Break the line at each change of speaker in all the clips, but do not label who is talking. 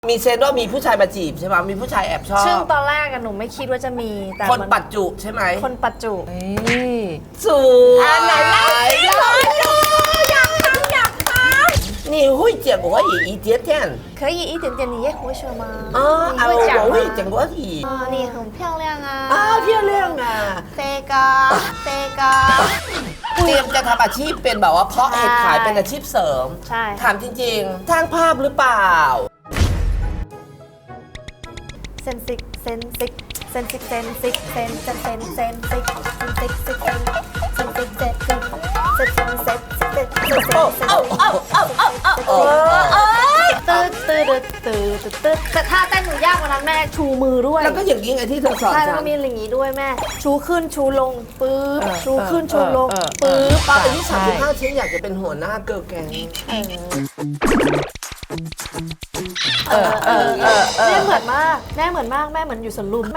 มีเซนว่ามีผู้ชายมาจีบใช่ไหมมีผู้ชายแอบชอบ
ซึ่งตอนแรกหนูไม่คิดว่าจะมีแต่
คนปัจจุใช่ไหม
คนปัจจุ
สวยไหนเล่าสิอยากทำ你会讲国语一点点
可以一点点你也会说吗
我会讲国语
你很漂亮
漂亮啊
这个
เตรียมจะทำอาชีพเป็นแบบว่าเพาะเห็ดขายเป็นอาชีพเสริม
ใช่
ถามจริงๆสร้างภาพหรือเปล่า
เซนซิกแต่ท่าเต้นหนูยากกว่านั้นแม่ชูมือด้วย
แล้วก็อย่างนี้ไงที่เธอสอน
ใช่แล้วก็มีอย่างนี้ด้วยแม่ชูขึ้นชูลงปื๊บชูขึ้นชูลงปื๊บ
ตอนอายุ35ฉันอยากจะเป็นหัวหน้าเกิร์ลแก๊ง
แม่เหมือนมากแม่เหมือนอยู่สวนลุม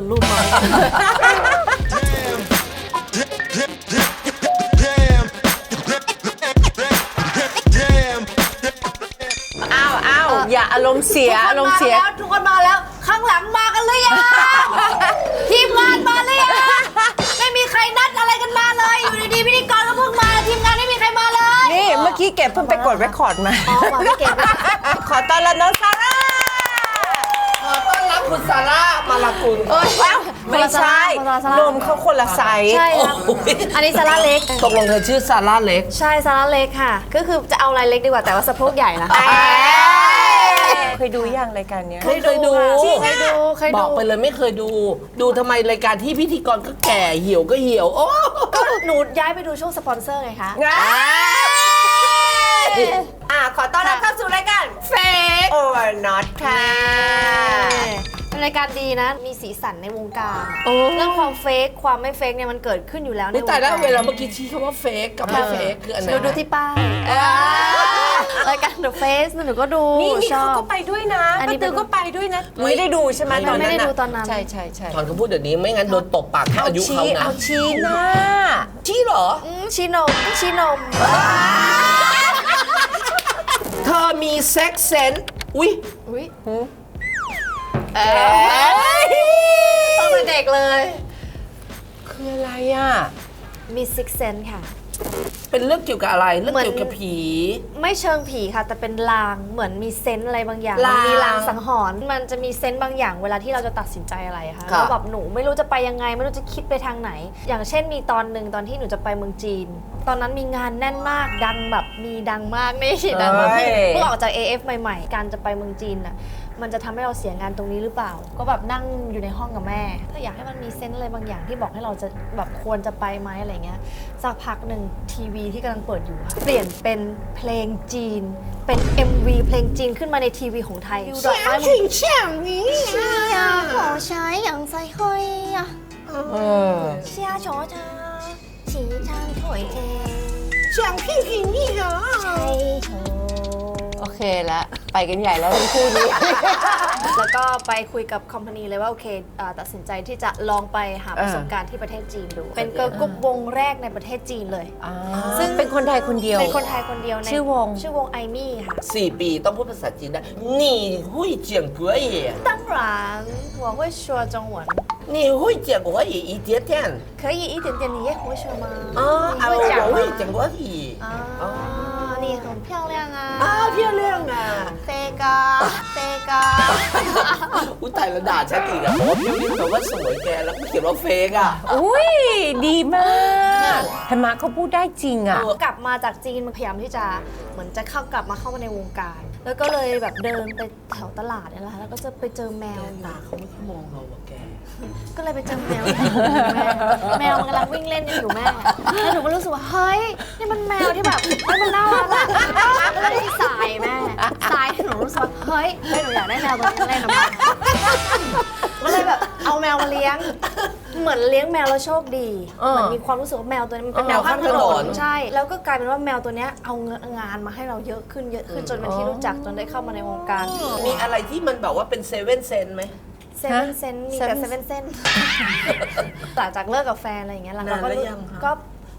อย่าอารมณ์เสีย
ทุกคนมาแล้วข้างหลังมากันเลยทีมงานมาเลยไม่มีใครนัดอะไรกันมาเลยอยู่ดีๆพิธีกรก็เพิ่งมาทีมงานไม่มีใครมาเลย
นี่เมื่อกี้เก็บเพิ่งไปกดเรคคอร์ดมา
มาไม่เก็บ
ขอต้อนรับน้องซาร่า
ขอต้อนรับคุณซาร่ามาลากุล
ไม่ใช่นมเขาคนละไซส์
ใช่ครับอันนี้ซาร่าเล็ก
ตกลงเธอชื่อซาร่าเล็ก
ใช่ซาร่าเล็กค่ะก็คือจะเอาอะไรเล็กดีกว่าแต่ว่าสะโพกใหญ่นะ
เคยดูยังรายการนี้
เคยดูบอกไปเลยไม่เคยดูทำไมรายการที่พิธีกรก็แก่เหี่ยวก็เหี่ยวโอ้
ก็หนูย้ายไปดูช่วงสปอนเซอร์ไงคะ
ขอต้อนรับเข้าสู่รายการ Fake or Not ค่ะ
เป็นรายการดีนะมีสีสันในวงการเรื่องความเฟกความไม่เฟกเนี่ยมันเกิดขึ้นอยู่แล้วในวงการ
แต่แล้วเวลาเมื่อกี้ชี้คำว่าเฟกกับไม่เฟกคืออันไหน
ดูที่ป้ายรายการ The Face หนูก็ดู
นี่เขาก็ไปด้วยนะป้าตือก็ไปด้วยนะไม่ได้ดูใช่ไหมตอนนั้น
ไม่ได้ดูตอนนั้น
ใช่
ถอนคำพูดเดี๋ยวนี้ไม่งั้นโดนตบปากอายุเขานะ
เอาชี้หน้า
ชี้เหรอ
ชี้นม
เธอมีเซ็กเซนส์อุ๊ย
ตั้งแต่เด็กเลย
คืออะไรอ่ะ
มีซิกเซนค่ะ
เป็นเรื่องเกี่ยวกับอะไรเรื่องเกี่ยวกับผี
ไม่เชิงผีค่ะแต่เป็นลางเหมือนมีเซนส์อะไรบางอย่างมีลางสังหรณ์มันจะมีเซนส์บางอย่างเวลาที่เราจะตัดสินใจอะไรค่ะแล้วแบบหนูไม่รู้จะไปยังไงไม่รู้จะคิดไปทางไหนอย่างเช่นมีตอนหนึ่งตอนที่หนูจะไปเมืองจีนตอนนั้นมีงานแน่นมากดังแบบมีดังมากไม่ใช่ดังแบบเพิ่งออกจาก AF ใหม่ๆการจะไปเมืองจีนน่ะมันจะทำให้เราเสียงานตรงนี้หรือเปล่าก็แบบนั่งอยู่ในห้องกับแม่ถ้าอยากให้มันมีเซนส์อะไรบางอย่างที่บอกให้เราจะแบบควรจะไปไหมอะไรเงี้ยสักพักหนึ่งทีวีที่กำลังเปิดอยู่เปลี่ยนเป็นเพลงจีนเป็น MV เพลงจีนขึ้นมาในทีวีของไทยดอกไม้มันเชี่ยขอใช้อย่างใจค่อยเชี่ยโฉเธอฉีทางถอยเท
想屁屁你啊
ใช่เธอ
โอเคแล้วไปกันใหญ่แล้วทั้งคู่นี้
แล้วก็ไปคุยกับคอมพานีเลยว่าโอเคตัดสินใจที่จะลองไปหาประสบการณ์ที่ประเทศจีนดูเป็นเกิร์ลกรุ๊ปวงแรกในประเทศจีนเลย
ซึ่งเป็นคนไทยคนเดียว
เป็นคนไทยคนเดียว
ชื่อว
งไอมี่ค่ะ
4 ปีต้องพูดภาษาจีนได้你会讲国语
当然我会说中文
你会讲国语一点点
可以一点点你也会说吗
我会讲国语
你很漂亮
漂亮啊
这个
อุ้ยตายแล้วด่าฉันอีกอ่ะพี่วินบอกว่าสวยแกแล้วก็เขียนว่าเฟกอ่ะ
อุ้ยดีมากธรรมะเขาพูดได้จริงอ่ะ
กลับมาจากจีนมันพยายามที่จะเหมือนจะกลับมาเข้ามาในวงการแล้วก็เลยแบบเดินไปแถวตลาดนี่แหละแล้วก็จะไปเจอแมว
ตาเขาไม่ค่อยมองเราแก
ก็เลยไปเจอแมวแมวมันกำลังวิ่งเล่นอยู่แม่แล้วหนูก็รู้สึกว่าเฮ้ยนี่มันแมวที่แบบมันน่ารักอะแล้วที่สายแม่สายหนูรู้สึกว่าเฮ้ยหนูอยากได้แมวตัวนี้เล่นนะก็เลยแบบเอาแมวมาเลี้ยงเหมือนเลี้ยงแมวแล้วโชคดีเหมือนมีความรู้สึกว่าแมวตัวนี้มันเป็นแมวข้างถนนใช่แล้วก็กลายเป็นว่าแมวตัวนี้เอางานมาให้เราเยอะขึ้นจนเป็นที่รู้จักจนได้เข้ามาในวงการ
มีอะไรที่มันแบบว่าเป็นเซเว่นเซนไหม
เซเว่นเซนมีแต่เซเว่นเซนหลังจากเลิกกับแฟนอะไรอย่างเงี้ยหลังๆก็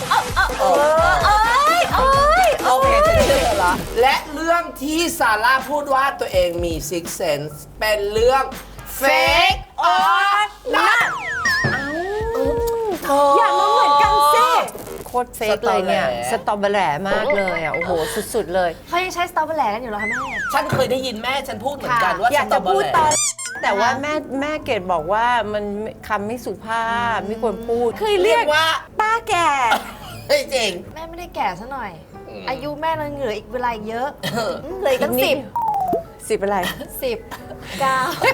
โอเคฉันเชื่อแล้วและเรื่องที่ซาร่าพูดว่าตัวเองมี six sense เป็นเรื่อง fake or not
อย่ามาเหมือนกันสิโคตรเฟกเลยเนี่ย
ส
ส
ต
ต
ร
ร
อ
อ
เบ
เบ
อ
อ
รี่
รี่มากเลยอ่ะ โอ้โห สุดๆเลย
เขายังใช้สตรอเบอร์แหลกันอยู่เหรอคะแม่
ฉันเคยได้ยินแม่ฉันพูดเหมือนกันว่า
อยาก
สตร
จะ
เบอ
พูด
รี่
ตอนแต่ว่าแม่เกดบอกว่ามันคำไม่สุภาพไม่ควรพูดเคย
เรี
เรี
ย
ย
ก
ก
ว่า
ป้าแก่
เฮ้ยจริง
แม่ไม่ได้แก่ซะหน่อย อายุแม่ยังเหลืออีกเวลาอีกเยอะเหลืออีกตั้ง
สิบอะไร
10 9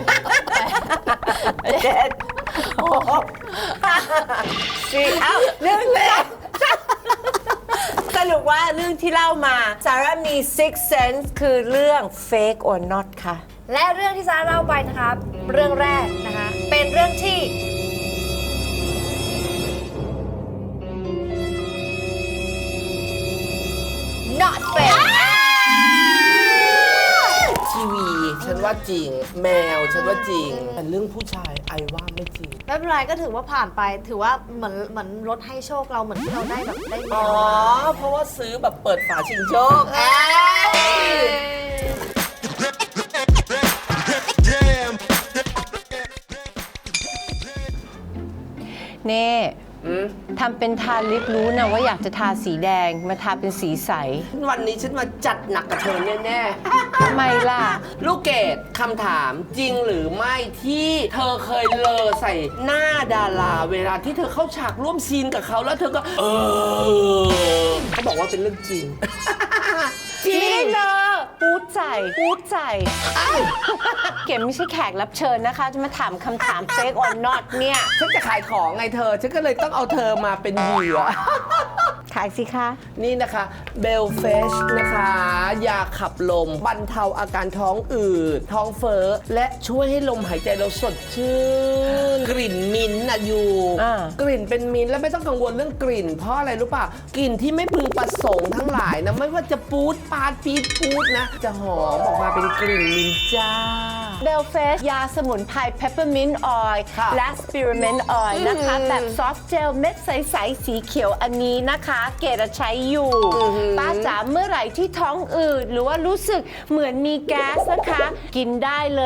เจ็ดหกสี่เอ้าเรื่องแรกสรุปว่าเรื่องที่เล่ามาซาร่ามี six sense คือเรื่อง fake or not ค่ะ
และเรื่องที่ซาร่าเล่าไปนะคะเรื่องแรกนะคะ เป็นเรื่องที่ not fake
ทีวีฉันว่าจริง แมวฉันว่าจริง แต่เรื่องผู้ชายไอว่าไม่จริง
ไม่เป็นไรก็ถือว่าผ่านไปถือว่าเหมือนรถให้โชคเราเหมือนที่เราได้แบบได้แม
อ๋อ
ว
เพราะว่าซื้อแบบเปิดฝาชิงโชคเอ้ย
เน่ทำเป็นทาลิปรู้นะว่าอยากจะทาสีแดงมาทาเป็นสีใส
วันนี้ฉันมาจัดหนักกับเธอแน่ๆ
ทำไมล่ะ
ลูกเกดคำถามจริงหรือไม่ที่เธอเคยเลอใส่หน้าดาราเวลาที่เธอเข้าฉากร่วมซีนกับเขาแล้วเธอก็เขาบอกว่าเป็นเรื่องจริง จริ
ไม่ได้
ง
เลยพูดใจเก๋ไม่ใช่แขกรับเชิญนะคะ จะมาถามคำถาม fake or not เนี่ย
ฉันจะขายของไงเธอ ฉันก็เลยต้องเอาเธอมาเป็นเหยื่อ
ขายสิคะ
นี่นะคะเบลเฟชนะคะยาขับลมบรรเทาอาการท้องอืดท้องเฟ้อและช่วยให้ลมหายใจเราสดชื่น กลิ่นมิ้นท์นะอยู่ กลิ่นเป็นมิ้นท์แล้วไม่ต้องกังวลเรื่องกลิ่น เพราะอะไรรู้ป่ะกลิ่นที่ไม่พึงประสงค์ทั้งหลายนะไม่ว่าจะปูดปาดปีดปูดนะ จะหอมออกมาเป็นกลิ่นมิ้นท์จ้า
เบลเฟสยาสมุนไพร peppermint oil
ค่ะ
และ spearmint oil นะคะแบบซอฟต์เจลเม็ดใสๆสีเขียวอันนี้นะคะ เกดใช้อยู่ป้าจ๋าเมื่อไหร่ที่ท้องอืดหรือว่ารู้สึกเหมือนมีแก๊สนะคะ กินได้เลย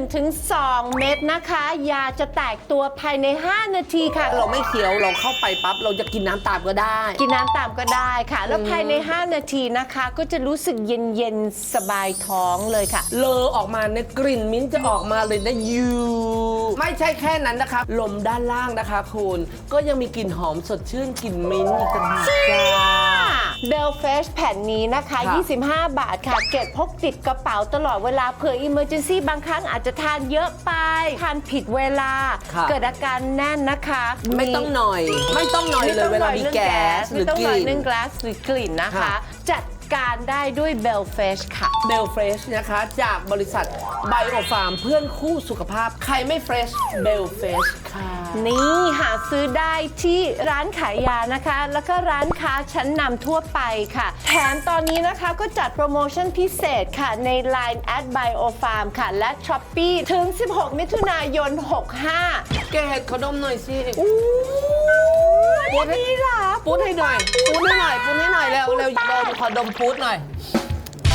1-2 เม็ดนะคะ ยาจะแตกตัวภายใน 5 นาทีค่ะ
เราไม่เคี้ยวเราเข้าไปปั๊บเราจะกินน้ำตามก็ได้
กินน้ำตามก็ได้ค่ะ แล้วภายใน 5 นาทีนะคะ ก็จะรู้สึกเย็นๆ สบายท้องเลยค่ะ
เลอออกมาในยกลิ่นมิ้นท์จะออกมาเลยนะยูไม่ใช่แค่นั้นนะคะ ลมด้านล่างนะคะคุณก็ยังมีกลิ่นหอมสดชื่นกลิ่นมิ้นท์อีกต่างหากจ้า
เบลเฟชแผ่นนี้นะคะ
ค่ะ
25 บาทค่ะ เก็บพกติดกระเป๋าตลอดเวลาเผื่อ emergency บางครั้งอาจจะทานเยอะไป ทานผิดเวลา
ค่ะ
เกิดอาการแน่นนะคะ
ไม่ต้องหน่อย ไม่ต้องหน่อยเลยเวลามีแก๊สห
ไม่
รือ
ต้อง
ก
หน่อย
ลิ่น
เรื่องแก๊สหรือกลิ่นนะคะ
ค่ะ
จัดการได้ด้วยเบลเฟชค่ะ
เบลเฟรชนะคะจากบริษัทไบโอฟาร์มเพื่อนคู่สุขภาพ ใครไม่เฟรชเบลเฟชค่ะ
นี่หาซื้อได้ที่ร้านขายยานะคะ แล้วก็ร้านค้าชั้นนำทั่วไปค่ะ แถมตอนนี้นะคะก็จัดโปรโมชั่นพิเศษค่ะใน Line @biofarm ค่ะ และ Shopee ถึง 16 มิถุนายน 65
แกขอดมหน่อยสิ
พูดให้ล่ะ
ปูดให้หน่อยปูดให้หน่อยปูดให้หน่อยเร็วเร็วดมขอดมปูดหน่อย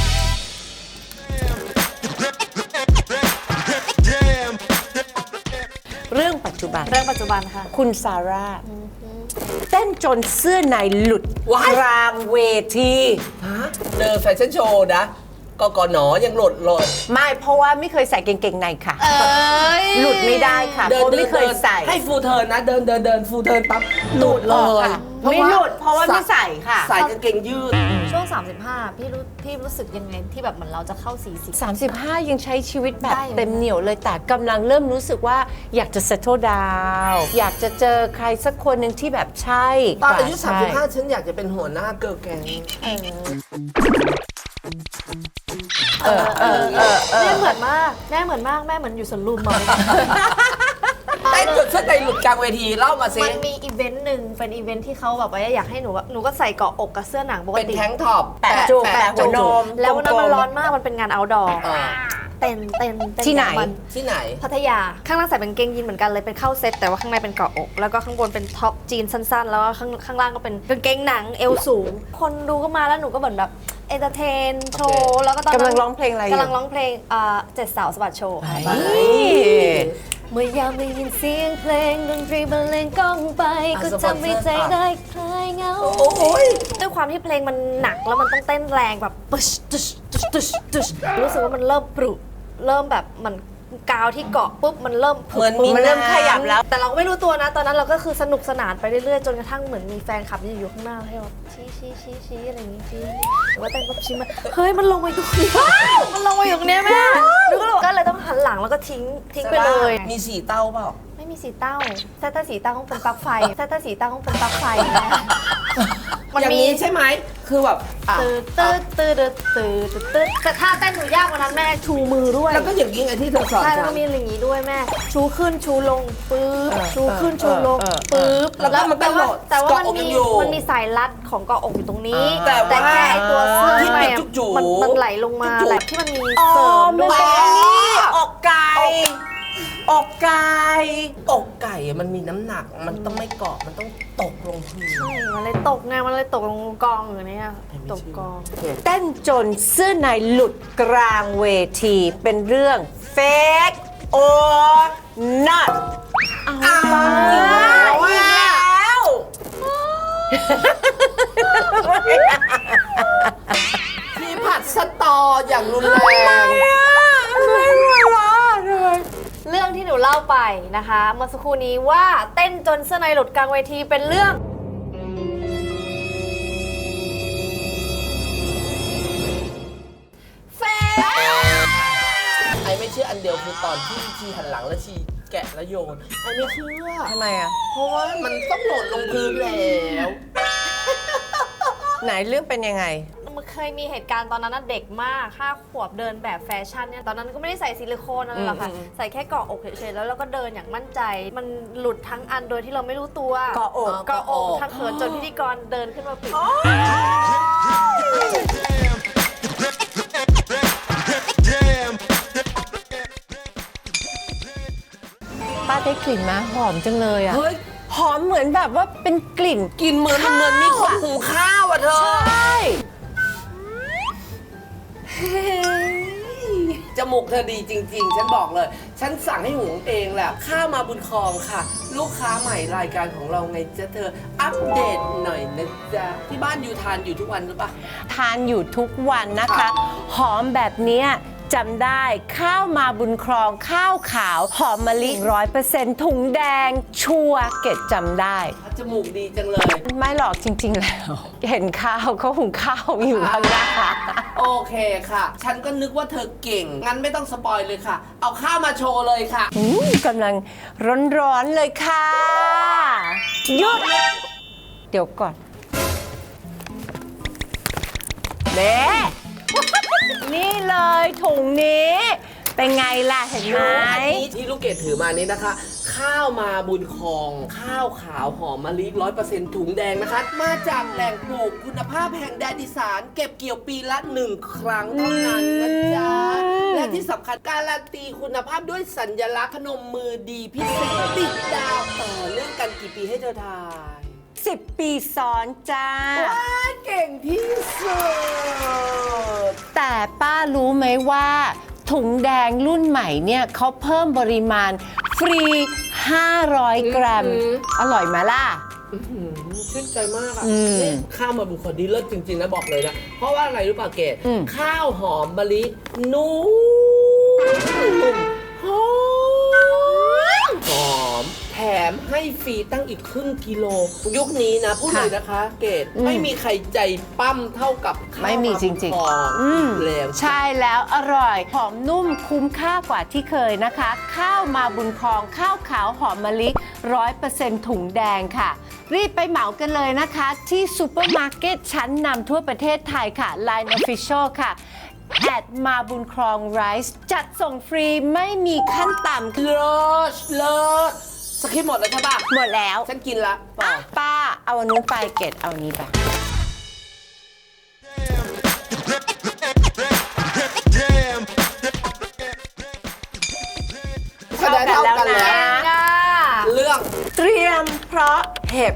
จุบัน
เรื่องปัจจุบันค่ะ
คุณซาร่าเต้นจนเสื้อในหลุด
ว้าย
กลางเวที
เดินแฟชั่นโชว์นะกหนยังหลุดเลย
ไม่เพราะว่าไม่เคยใส่กางเกงในค่ะ
เอ้ย
หลุดไม่ได้ค่ะเพราะไม่เคยใส่
ให้ฟูลเทิร์นนะ เดินฟูลเทิร์นปั๊บหลุดเล
ออก
ย
ค่ะไม่หลุดเพราะว่าไม่ใส่ค่ะ
ใส่กางเกงยืด
ช่วง 35 พี่รู้สึกยังไงที่แบบเหมือนเราจะเข้า 40
35 ยังใช้ชีวิตแบบ
ได้อยู่
เต็มเหนียวเลยแต่กำลังเริ่มรู้สึกว่าอยากจะ settle down อยากจะเจอใครสักคนหนึ่งที่แบบใช่
ตอนอายุ
ใช่
35 ฉันอยากจะเป็นหัวหน้าเกิร์ลแก๊ง
แม่เหมือนมากแม่เหมือนอยู่สวนลุมอะ
เต้นจนเสื้อในหลุดกลางเวทีเล่ามาสิ
มันมีอีเวนต์หนึ่งเป็นอีเวนต์ที่เขาแบบว่าอยากให้หนูก็ใส่เกาะอกกับเสื้อหนังปก
เป็น
ติ
แท้งท็อป
แปะจุกแปะหัวนม
แล้ววันนั้นมัน
กลมๆ
ร้อนมากมันเป็นงาน outdoor
อ่า
เต้น
ที่ไหน
อย่างมัน
ที่ไหน
พัทยาข้างล่างใส่เป็นกางเกงยีนเหมือนกันเลยเป็นเข้าเซ็ตแต่ว่าข้างในเป็นเกาะอก แล้วก็ข้างบนเป็นท็อปจีนสั้นๆ แล้วก็ข้างล่างก็เป็นกางเกงหนังเอวสูง คนดูก็มาแล้วหนูก็เหมือนแบบเอนเตอร์เทนโชว์แล้วก็ตอนนั้น
กำลังร้องเพลงอะไรอยู่
กำลังร้องเพลงเจ็ดสาวสะบัดโชว์ค่ะ
นี่
เมื่อยามได้ยินเสียงเพลงดนตรีบรรเลงก้องไปก็ทำให้ใจได้คลายเหงา
โอ้ย
ด้วยความที่เพลงมันหนักแล้วมันต้องเต้นแรงแบบตึชตึชตึชตึชตึชรู้สึกว่ามันเริ่มปรุเริ่มแบบมันกาวที่เกาะปุ๊บมันเริ่มผุ
เหมือนมี
มันเริ่มขยับแล้ว
แต่เราก็ไม่รู้ตัวนะ ตอนนั้นเราก็คือสนุกสนานไปเรื่อยๆจนกระทั่งเหมือนมีแฟนคลับอยู่ข้างหน้าให้แบบชี้อะไรอย่างงี้ชี้หรือว่าเต้นก็ชี้มาเฮ้ยมันลงมาอยู่ตรงนี้มันลงมาอยู่ตรงเนี้ยแม่หนูก็เลยต้องหันหลังแล้วก็ทิ้งไปเลย
มีสีเต้าเปล่า
ไม่มีสีเต้าถ้าสีเต้าต้องเป็นปลั๊กไฟถ้าสีเต้าต้องเป็นปลั๊กไฟแม่มัน
อย่าง
มี
นี้ใช่ไหม คือแบบอ่ะ
ตืดแต่ท่าเต้นหนูยากกว่านั้นแม่ชูมือด้วย
แล้วก็อย่างนี้ไงที่เธอสอน
ใช่แล้ว
ฉั
ก็
น
มีอย่างนี้ด้วยแม่ ชูขึ้นชูลงปึ๊บชูขึ้นชูลงปึ๊บ
แล้วก็มันก็โหลด
แต่ว่า
เกาะ
มัน
อกยั
มี
งอยู่
มันมีสายรัดของเกาะอกอยู่ตรงนี้
แต่ว่า
แค่ไอ้ตัวเสื้อ
ที่
ข้างใน
เป็น
อะ
จุกๆ
มันไหลลงมา
จุกๆ
แหละที่มันมีเสริมด้วย
อกไก่อกไก่
อกไก่อะมันมีน้ำหนัก มันต้องไม่เกาะ มันต้องตกลงพื้น
ใช่มันเลยตกไงมันเลยตกลงกองอย่างเนี้ยตกกอง
เต้นจนเสื้อในหลุดกลางเวทีเป็นเรื่อง fake or not
อ้าวอีกแล้ว ที่ผัดสตออย่างรุนแรง
เรื่องที่หนูเล่าไปนะคะเมื่อสักครู่นี้ว่าเต้นจนเสื้อในหลุดกลางเวทีเป็นเรื่อง
ไอ้ไม่เชื่ออันเดียวคือตอนที่ชีหันหลังแล้วชีแกะแล้วโยน ไอ้ไม่เชื่อ
ทำไมอ่ะ
เพราะว่ามันต้องโหล่นลงพื้นแล้ว
ไหนเรื่องเป็นยังไง
มันเคยมีเหตุการณ์ตอนนั้นนะเด็กมาก5 ขวบเดินแบบแฟชั่นเนี่ยตอนนั้นก็ไม่ได้ใส่ซิลิโคนอะไรหรอกค่ะใส่แค่เกาะอกเฉยๆแล้วเราก็เดินอย่างมั่นใจ มันหลุดทั้งอันโดยที่เราไม่รู้ตัว
เกาะอก
เกาะอกทั้งเขินจนพิธีกรเดินขึ้นมาปิด
ป้าได้กลิ่นมาหอมจังเลยอ่ะ
เฮ้ย
หอมเหมือนแบบว่าเป็นกลิ่น
กินเหมือนมีคนหุงข้าวอ่ะเธอ
ใช่
จมูกเธอดีจริง ๆ ฉันบอกเลย ฉันสั่งให้หุงเองแหละ ข้าวมาบุญครองค่ะ ลูกค้าใหม่รายการของเราไงจ๊ะเธอ อัปเดตหน่อยนะจ๊ะ ที่บ้านอยู่ทานอยู่ทุกวันหรือเปล่า
ทานอยู่ทุกวันนะคะ
ค่ะ
หอมแบบเนี้ยจำได้ข้าวมาบุญครองข้าวขาว หอมมะลิ 100%ถุงแดง ชัวร์เกดจำได้
จมูกดีจังเลย
ไม่หรอกจริง ๆ แล้ว เห็นข้าวเขาหุงข้าวอยู่ข้างหน้า
โอเคค่ะ ฉันก็นึกว่าเธอเก่ง งั้นไม่ต้องสปอยเลยค่ะ เอาข้าวมาโชว์เลยค่ะ
กำลังร้อนๆเลยค่ะหยุด เดี๋ยวก่อนเน่นี่เลยถุงนี้ เป็นไงล่ะเห็นไหม
อันนี้ที่ลูกเกดถือมานี้นะคะ ข้าวมาบุญครอง ข้าวขาวหอมมะลิ 100% ถุงแดงนะคะ มาจากแหล่งปลูกคุณภาพแห่งแดนอีสาน เก็บเกี่ยวปีละ 1 ครั้งเท่านั้นนะจ๊ะ และที่สำคัญการันตีคุณภาพด้วยสัญลักษณ์พนมมือดีพิเศษติดดาวต่อเนื่องกันกี่ปีให้เธอทาย
10 ปีซ้อนจ้า
ว้าเก่งที่สุด
แต่ป้ารู้ไหมว่า ถุงแดงรุ่นใหม่เนี่ยเขาเพิ่มปริมาณฟรี 500 กรัม อร่อยไหมล่ะ
ชื่นใจมากอ่ะ
อืม
นี่ข้าวมาบุคคลดีเลิศจริง ๆ นะบอกเลยนะ เพราะว่าอะไรรู้ป่ะเกด
อืม
ข้าวหอมมะลินุ่มหอมแถมให้ฟรีตั้งอีกครึ่งกิโล ยุคนี้นะพูดเลยนะคะ เกดไม่มีใครใจปั้มเท่ากับข้าว
ไม่มีจริง
มาบุญครอง
ๆ
แล้ว
ใช่แล้วอร่อย หอมนุ่มคุ้มค่ากว่าที่เคยนะคะ ข้าวมาบุญครอง ข้าวขาวหอมมะลิ 100% ถุงแดงค่ะ รีบไปเหมากันเลยนะคะ ที่ซูเปอร์มาร์เก็ตชั้นนำทั่วประเทศไทยค่ะ Line Official ค่ะแอดมาบุญครองไรซ์จัดส่งฟรีไม่มีขั้นต่ำ
เลิศเลิศสคริปต์หมดแล้วใช่ป่ะ
หมดแล้ว
ฉันกินละต่อ
ป้าเอาอันนู้นไปเกดเอาอันนี้ไป
คะแนนเท่ากัน
เท่ากันแล้
แล้ว
ว
อ่ะ
เรื่อง
เตรียมเพราะเห็บ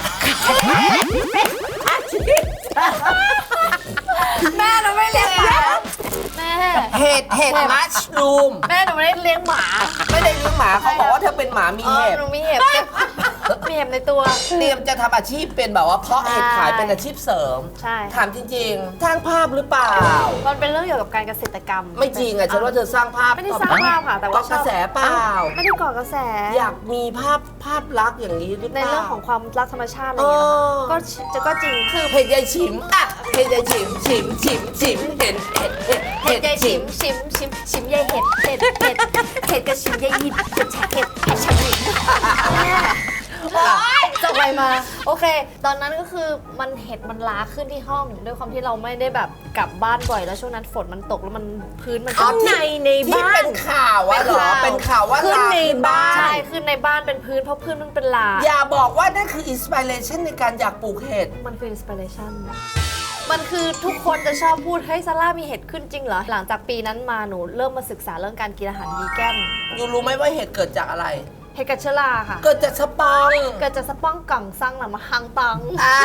อาชีพ
แม่หนูไม่เลี้ยงหมาแม่
เห็ดมัชรูม
แม่หนูไม่ได้เลี้ยงหมา
ไม่ได้เลี้ยงหมาเขาบอกว่าเธอเป็นหมามีเห็บ
หนูมีเห็บมีเห็บในตัว
เตรียมจะทำอาชีพเป็นแบบว่าเพาะเห็ดขายเป็นอาชีพเสริม
ใช่
ถามจริงๆสร้างภาพหรือเปล่า
มันเป็นเรื่องเกี่ยวกับการเกษตรกรรม
ไม่จริงอ่ะฉันว่าเธอสร้างภาพ
ไม่ได้สร้างภาพค่ะแต่ว่า
เกาะกระแสเปล่า
ไม่ได้ก่อกระแส
อยากมีภาพลักษณ์อย่างนี้หรือเป
ใน
ล่า
เรื่องของความรักธรรมชาติอะไรอย่างเงี้ยนะคะก็จริงคือ
เห็ดยายฉิมอ่ะเห็ดยายฉิมฉิมฉิมฉิมเห็ด
เห็ดยายชิมยายเห็ดเห็ดกับชิมยายหิดเห็ดฉันหิดโอ๊ยจบไปมา โอเค ตอนนั้นก็คือมันเห็ดมันล้าขึ้นที่ห้อง ด้วยความที่เราไม่ได้แบบกลับบ้านบ่อยแล้วช่วงนั้นฝนมันตกแล้วมันพื้นมัน
ข้างในใน
ที่
บ้า
เป็น นข่าวอะเหรอเป็นข่าวว่า
ขึ้น
ลาม
ในบ้าน
ใช่ขึ้นในบ้านเป็นพื้นเพราะพื้นมันเป็นลา
อย่าบอกว่านั่นคืออินสปิเรชันในการอยากปลูกเห็ด
มันคืออินสปิเรชันมันคือทุกคนจะชอบพูดเฮ้ยซาร่ามีเห็ดขึ้นจริงเหรอ หลังจากปีนั้นมาหนูเริ่มมาศึกษาเรื่องการกินอาหารวีแกน
อยู่รู้ไหมว่าเห็ดเกิดจากอะไร
เห็ดกัจเชอราค่ะ
เกิดจากสปัง
เกิดจากสป้องกังซังหลังมาฮังตัง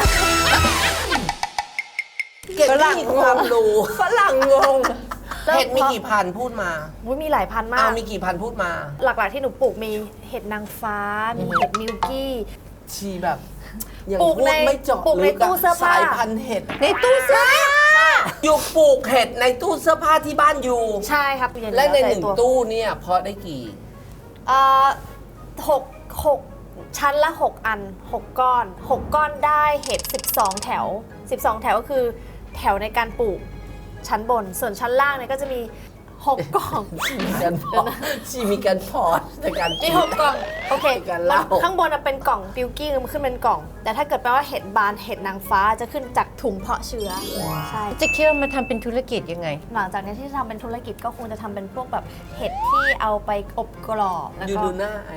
เก็บไม่มีความรู้
ฝรั่งงง
เห็ดมีกี่พันพูดมา
อุ๊ยมีหลายพันมา
อ้าว
ก
มีกี่พันพูดมา
หลักๆที่หนูปลูกมีเห็ดนางฟ้า มีเห็ดมิลกี้
ชีแบบยัง
ปลูก
พูด
ใน
ไม่เจาะ
ปลูกใน
ลึกอะ
ตู้เสื้อผ้า
สายพันธุ์เห็ด
ในตู้เสื้อผ้า
อยู่ปลูกเห็ดในตู้เสื้อผ้าที่บ้านอยู่
ใช่ครับ
และในหนึ่ง
ตัว
ตู้เนี่ยเพาะได้กี่
เอ่อหกชั้นละ 6 อัน 6 ก้อน 6 ก้อนได้เห็ด12 แถว 12 แถวก็คือแถวในการปลูกชั้นบน ส่วนชั้นล่างเนี่ยก็จะมี 6 กล่อง
มีการเพาะชีมีการเพาะในการป
มี
ลูก
6 กล่อง โอเค
มีการเล่า
ข้างบนน่ะเป็นกล่องบิวกี้มันขึ้นเป็นกล่อง แต่ถ้าเกิดแปลว่าเห็ดบานเห็ดนางฟ้าจะขึ้นจากถุงเพาะเชื้อใช่
จะเคี่ยวมาทำเป็นธุรกิจยังไง
หลังจากนี้ที่จะทำเป็นธุรกิจก็คงจะทำเป็นพวกแบบเห็ดที่เอาไปอบกรอบแล้ว
อยู่
ก็
ดูหน้าไอ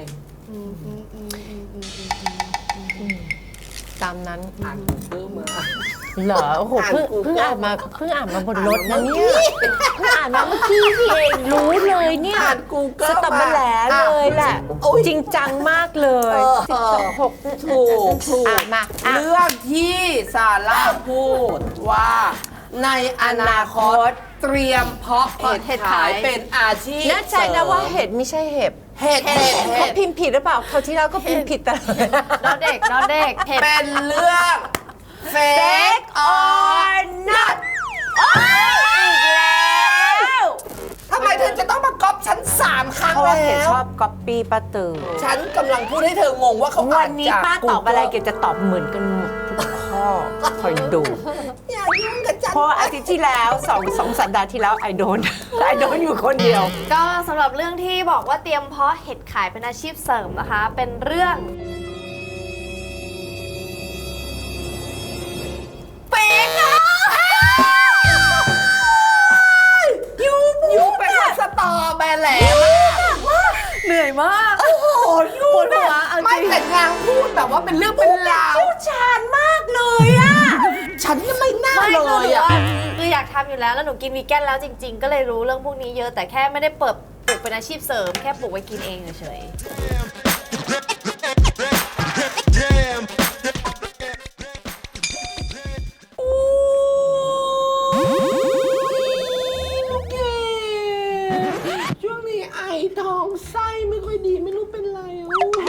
ตามนั้น
อ่านซื้อมา
เหรอ โอ้โห
อ่าน
เพิ่ง
Google
อ่านมาบนรถนะเนี่ย เพิ่งอ่านมาเมื่อกี้พี่เองรู้เลยเนี่ย
อ่าน Google
สตับมาแหลเลยแหละ
โอ้ย
จริงจังมากเลย
ถูก
อ่ะมาอ่ะ
เรื่องที่ซาร่าพูดว่าในอนาคตเตรียมเพาะเห็ดขายเป็นอาชีพ
แน่ใจนะว่าเห็ดไม่ใช่เห็บ
เห็ด
เขาพิมพ์ผิดหรือเปล่าคราวที่แล้วก็พิมพ์ผิดตลอด
น้องเด็กเห็ด
เป็นเรื่องเฟก or not
อีกแล้ว
ทำไมเธอจะต้องมาก๊อปฉัน3 ครั้ง
เพราะว่าเกด
แล้ว
ชอบก๊อปปี้ป้าตือ
ฉันกำลังพูดให้เธองงว่าเขา
วั
อ่าน
นี้
จาก
ป้าตอบอะไร
Google
เกดจะตอบเหมือนกันหมดทุกข้อคอยดู
อย่ายุ่งกับฉัน
เพราะอาทิตย์ที่แล้วสองสัปดาห์ที่แล้วไอโดน อยู่คนเดียว
ก็สำหรับเรื่องที่บอกว่าเตรียมเพาะเห็ดขายเป็นอาชีพเสริมนะคะ เป็นเรื่องเป๊กอะ
ยูเป็นคนสตอแบแหลม
เหนื่อยมาก
โอ้โหยู
ปวดหัวเอาจริง
ไม่แต่นางพูดแบบว่าเป็นเรื่องเป็นราว
ชาญมากเลยอะ
ฉันยังไม่น่า
ไม่
เล
คือย
อ่ะ
คืออยากทำอยู่แล้วแล้วหนูกินวีแกนแล้วจริง ๆ ก็เลยรู้เรื่องพวกนี้เยอะแต่แค่ไม่ได้เปิดปลูกเป็นอาชีพเสริมแค่ปลูกไว้กินเองเฉย
ช่วงนี้ไอท้องไส้ไม่ค่อยดีไม่รู้เป็นไรอ่ะ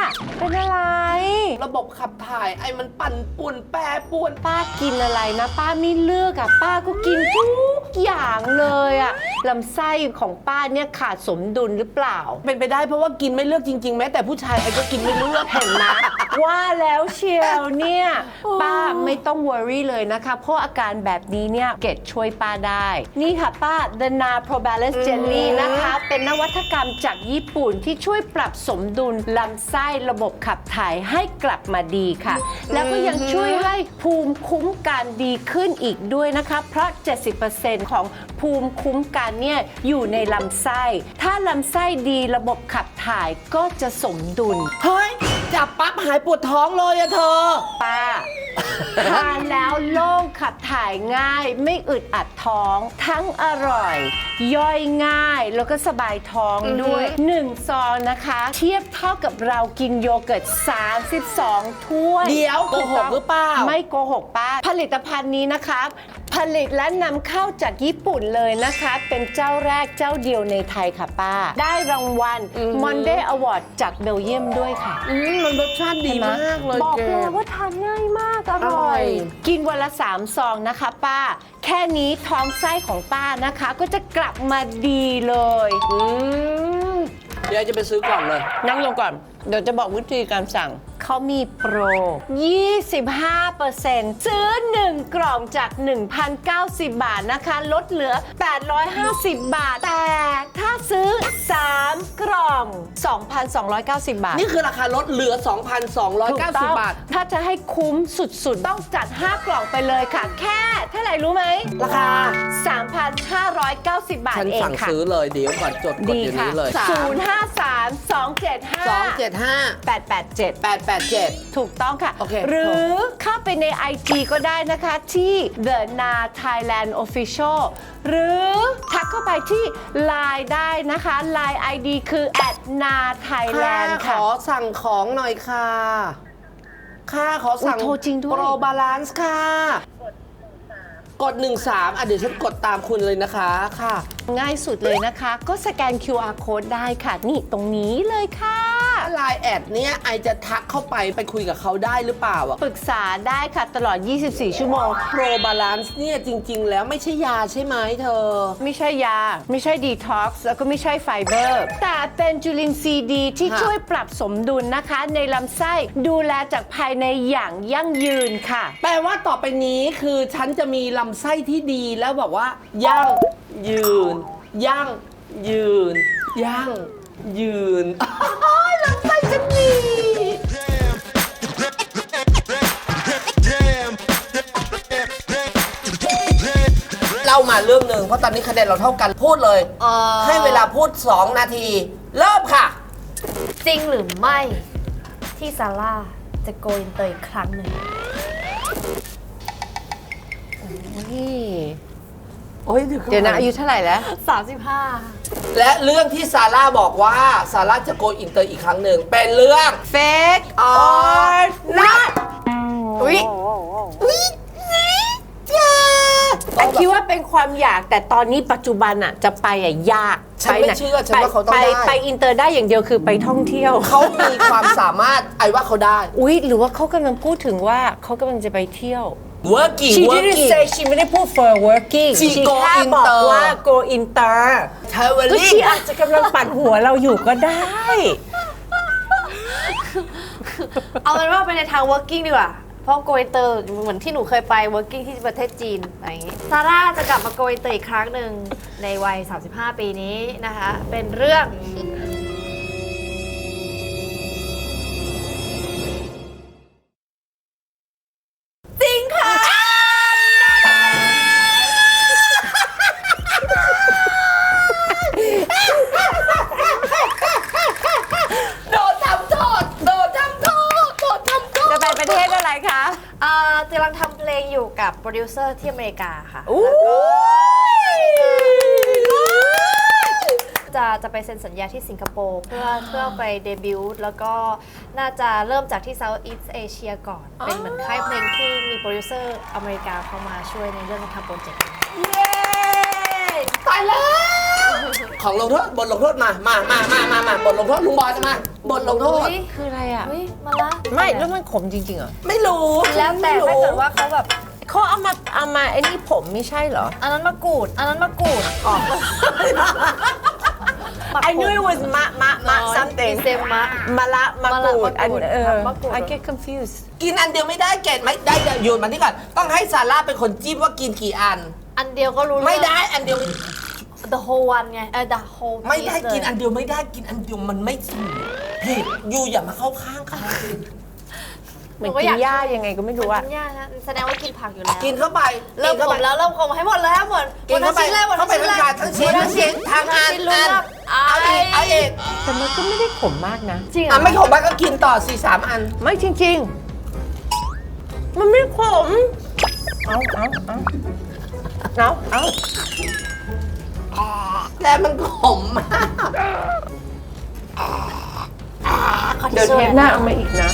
เป็นอะไร
ระบบขับถ่ายไอ้มันปั่นป่วนแปรป่วน
ป้ากินอะไรนะป้าไม่เลือกอะป้าก็กินทุกอย่างเลยอะลำไส้ของป้าเนี่ยขาดสมดุลหรือเปล่า
เป็นไปได้เพราะว่ากินไม่เลือกจริงๆแม้แต่ผู้ชายไอ้ก็กินไม่เลือก
เห็นไหมว่าแล้วเชียวเนี่ยป้าไม่ต้อง worry เลยนะคะเพราะอาการแบบนี้เนี่ยเกดช่วยป้าได้ นี่ค่ะป้า The Na Pro Balance Jelly นะคะเป็นนวัตกรรมจากญี่ปุ่นที่ช่วยปรับสมดุลลำไส้ระบบขับถ่ายให้กลับมาดีค่ะ แล้วก็ยังช่วยให้ภูมิคุ้มกันดีขึ้นอีกด้วยนะคะเพราะ 70% ของภูมิคุ้มกันเนี่ยอยู่ในลำไส้ถ้าลำไส้ดีระบบขับถ่ายก็จะสมดุล
เฮ้ยจับปั๊บหายปวดท้องเลยอะเธอ
ป้า ทานแล้วโล่งขับถ่ายง่ายไม่อึดอัดท้อง ทั้งอร่อย ย่อยง่ายแล้วก็สบายท้องด้วย 1 ซองนะคะ เทียบเท่ากับเรากินโยเกิร์ต 32 ถ้วย
เดี๋ยวโกหกหรือเปล่า
ไม่โกหกป้า ผลิตภัณฑ์นี้นะคะ ผลิตและนำเข้าจากญี่ปุ่นเลยนะคะ เป็นเจ้าแรกเจ้าเดียวในไทยค่ะป้า ได้รางวัล Monday Award จากเบลเยียมด้วยค่ะ
มันรสชาติดีมากเลย
บอก
แก
เลยว่าทานง่ายมากอร่อย กินวันละ 3 ซองนะคะป้า แค่นี้ท้องไส้ของป้านะคะ ก็จะกลับมาดีเลย
เดี๋ยวจะไปซื้อก่อนเลย
นั่งลงก่อน เดี๋ยวจะบอกวิธีการสั่ง เขามีโปร 25% ซื้อ 1 กล่องจาก 1,090 บาทนะคะ ลดเหลือ 850 บาท แต่ถ้าซื้อ 3 กล่อง 2,290 บาท
นี่คือราคาลดเหลือ
ถูกต้
2,290
อง
บาท
ถ้าจะให้คุ้มสุดๆ ต้องจัด 5 กล่องไปเลยค่ะ แค่เท่าไหร่รู้ไหม
ราคา
3,590 บาท
ฉัน
เอง
สั่ง
ค่ะ
ซื้อเลยเดี๋ยวก่อนจดกด
ดี
เดี๋ยว
ค่ะ
นี้เลย
053 275
275
887
887
ถูกต้องค่ะ
โอเค
หรือเข้าไปใน IG ก็ได้นะคะที่ The Na Thailand Official หรือทักเข้าไปที่ Line ได้นะคะ Line ID คือ @nathailand
ข
ค่ะ
อสั่งของหน่อยค่ะขอสั่ง
โทรจริงด้วย
โปรบาลานซ์ค่ะ กด 13เดี๋ยวฉันกดตามคุณเลยนะคะค่ะ
ง่ายสุดเลยนะคะ ก็สแกน QR code ได้ค่ะ นี่ตรงนี้เลยค่ะ
ไลน์แอดเนี้ยไอจะทักเข้าไปคุยกับเขาได้หรือเปล่าอะ
ปรึกษาได้ค่ะตลอด 24 ชั่วโมง
โปรบาลานซ์เนี่ยจริง ๆ แล้วไม่ใช่ยาใช่ไหมเธอ
ไม่ใช่ยา ไม่ใช่ดีท็อกซ์แล้วก็ไม่ใช่ไฟเบอร์ แต่เป็นจุลินทรีย์ดีที่
ค่ะ
ช่วยปรับสมดุลนะคะ ในลำไส้ดูแลจากภายในอย่างยั่งยืนค่ะ
แปลว่าต่อไปนี้คือฉันจะมีลำไส้ที่ดีแล้วแบบว่ายั่งยืน ยั่งยืน ยั่งยืน ลำไส้ฉันดี เล่ามาเรื่องหนึ่งเพราะตอนนี้คะแนนเราเท่ากันพูดเลย ให้เวลาพูด 2 นาที เริ่มค่ะ
จริงหรือไม่ที่ซาร่าจะโกอินเตอร์อีกครั้งหนึ่ง
เดี๋ยวนะอายุเท่าไหร่แล้ว
35
และเรื่องที่ซาร่าบอกว่าซาร่าจะโกอินเตอร์อีกครั้งหนึ่งเป็นเรื่อง
Fake
or not
อุ๊ยแต่คิดว่าเป็นความอยากแต่ตอนนี้ปัจจุบันอะจะไปอะยาก
ฉันไม่เชื่อฉันว่าเขาต้องได้
ไปอินเตอร์ได้อย่างเดียวคือไปท่องเที่ยว
เขามีความสามารถไอ้ว่าเขาได้
อุ๊ยหรือว่าเขากำลังพูดถึงว่าเขากำลังจะไปเที่ยว
working
She didn't say she ไม่ได้พูด for working
She go
แค่บอก
inter
ว่า go inter ก็
traveling
she อาจจะกำลังปั่นหัวเราอยู่ก็ได้
เอาเป็นว่าไปในทาง working ดีกว่า เพราะโกอินเตอร์เหมือนที่หนูเคยไป working ที่ประเทศจีนอะไรอย่างงี้ซาร่าจะกลับมาโกอินเตอร์อีกครั้งหนึ่งในวัย 35 ปีนี้นะคะ เป็นเรื่อง จริงค่ะ
โดนทำโทษโดนทำโทษโดนทำโทษ
จะไปประเทศอะไรคะ
กำลังทำเพลงอยู่กับโปรดิวเซอร์ที่อเมริกาค่ะ จะไปเซ็นสัญญาที่สิงคโปร์เพื่อไปเดบิวต์แล้วก็น่าจะเริ่มจากที่ Southeast Asia ก่อน เป็นเหมือนค่ายเพลงที่มีโปรดิวเซอร์อเมริกาเข้ามาช่วยในเรื่องการทำโปรเจกต์
เย้ตายแล้วของลงโทษบทลงโทษมาบทลงโทษลุงบอยจะมาบทลงโทษ
คืออะไรอ่ะ
อุ๊ยมาละ
ไม่แล้วมันขมจริงๆเหรอ
ไม่รู้
แล้วแต่
ไม่
ถ้า
รู้
เกิดว่าเขาแบบ
เขาเอามาไอ้นี่ผมไม่ใช่เหรอ
อันนั้นมะกรูดออก
I knew it was มะ something
เซมมะ
มะละมะกรูด
มะกรูด มะกรูด
I get confused
กินอันเดียวไม่ได้เกดไม่ได้โยนมานี่ก่อนต้องให้ซาร่าเป็นคนจิ้มว่ากินกี่อัน
อันเดียวก็รู้
ไม่ได้อันเดียว
the whole one ไงthe whole
ไม่ได้
piece เลย
กินอันเดียวไม่ได้กินอันเดียวมันไม่ถูกผิดยูอย่ามาเข้าข้างเขา
เหมือนกินหญ้ายังไงก็ไม่รู้อะ
กินหญ้านะแสดงว่ากินผักอยู่แล้ว
กินเข้าไป
เริ่มขมแล้วเริ่มขมให้หมดเลยหมด
กินเข้าไป
หมด
เข้าไปทั้งถาดทั้งชิ้นทางอัน เอาอีก
แต่มันก็ไม่ได้ขมมากนะ
จริงเหร
อ่ะ
อ
ไม่ขมบ้างก็กินต่อ4-3 อัน
ไม่จริงๆ มันไม่ขม เอา
แต่มันขมมาก
เดี๋ยวเทปหน้าเอามาอีกนะ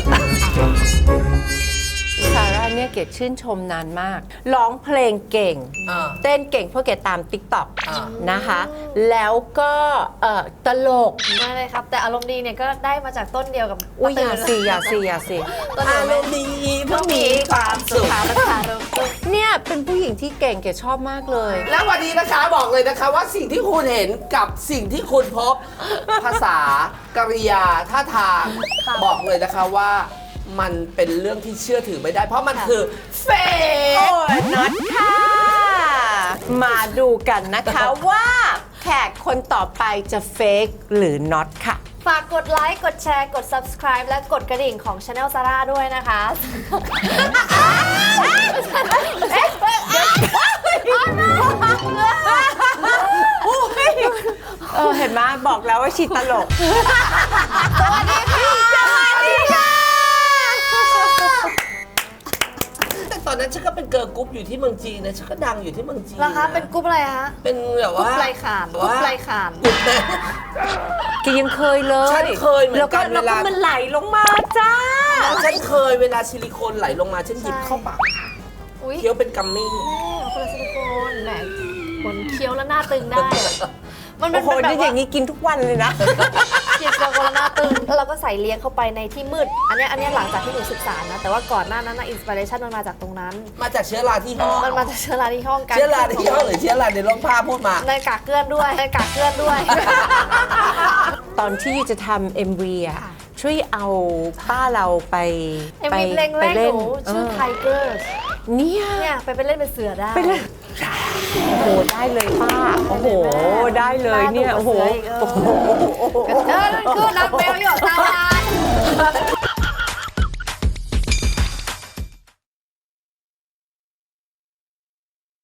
ซาร่าเนี่ยเกดชื่นชมนานมาก ร้องเพลงเก่ง เต้นเก่งเพราะเกดตาม TikTok นะคะ แล้วก็ตลก
ไม่เลยครับ แต่อารมณ์ดีเนี่ยก็ได้มาจากต้นเดียวกับ
อุ้ยอย่า
ตื่น
สิ
ต้นเดี
อา
ยว
ร
ไม่
มณ์ดีเพราะมีความสุข
ขาราคาเริ่มต้น
เนี่ยเป็นผู้หญิงที่เก่งเกดชอบมากเลย
แล้ววันนี้นะคะบอกเลยนะคะว่าสิ่งที่คุณเห็นกับสิ่งที่คุณพบ ภาษากริยาท่าทางบอกเลยนะคะว่ามันเป็นเรื่องที่เชื่อถือไม่ได้ เพราะมันคือเฟ
โอ้
ก
ยน็อตค่ะ มาดูกันนะคะว่าแขกคนต่อไปจะเฟกหรือน็อตค่ะ
ฝากกดไลค์ กดแชร์ กด subscribe และกดกระดิ่งของ Channel Zara ด้วยนะคะ
เห็นไหมบอกแล้วว่าชีตลก
สวัสดีค่ะ
แต่ตอนนั้นฉันก็เป็นเกิร์ลกรุ๊ปอยู่ที่เมืองจีนนะฉันก็ดังอยู่ที่เมืองจีน
แล้วคะเป็นกรุ๊ปอะไรคะ
เป็นแบบ
กรุ๊
ว่า
ปไรขานกรุ๊ปไรขาน
กรุ๊ปนะ
แกยังเคยเลย
ฉันเคยเหมือนกัน
แล้ว
เวลา
มันไหลลงมาจ้า
ฉันเคยเวลาซิลิโคนไหลลงมาฉันหยิบเข้าปาก
อุ้ย
เคี้ยวเป็นกัมมี่
คนละซิลิโคนแหมคนเคี้ยวแล้วหน้าตึงได้อะมันเป็
โอ้
น
โห
แบบ
นี่อ
ว่า
ย่างนี้กินทุกวันเลยนะ
เคี้ยวแล้วคนละหน้าตึงแล้วเราก็ใส่เลี้ยงเข้าไปในที่มืด อันเนี้ยหลังจากที่หนูศึกษานะ แต่ว่าก่อนหน้านั้นนะอินสปิเรชันมันมาจากตรงนั้น
มาจากเชื้อราที่ห้อง
มันมาจากเชื้อราที่ห้องการ
เชื้อราที่ห้องหรือเชื้อราในร่มผ้าพูดมา
ในกากเกลื่อนด้วยในกากเกลื่อนด้วย
ตอนที่จะทำ MV อ่ะ ช่วยเอาป้าเราไป
เอ็มวีเพลงแรกหนูชื่อ Tigers
เนี่ย
เนี่ยไปเล่นเป็นเสือได้
ไปเลยโอ้โห ได้เลยป้า โอ้โห ได้เลยเนี่ย โอ้โห
นั่นคือนักเบลอยู่ตาลาน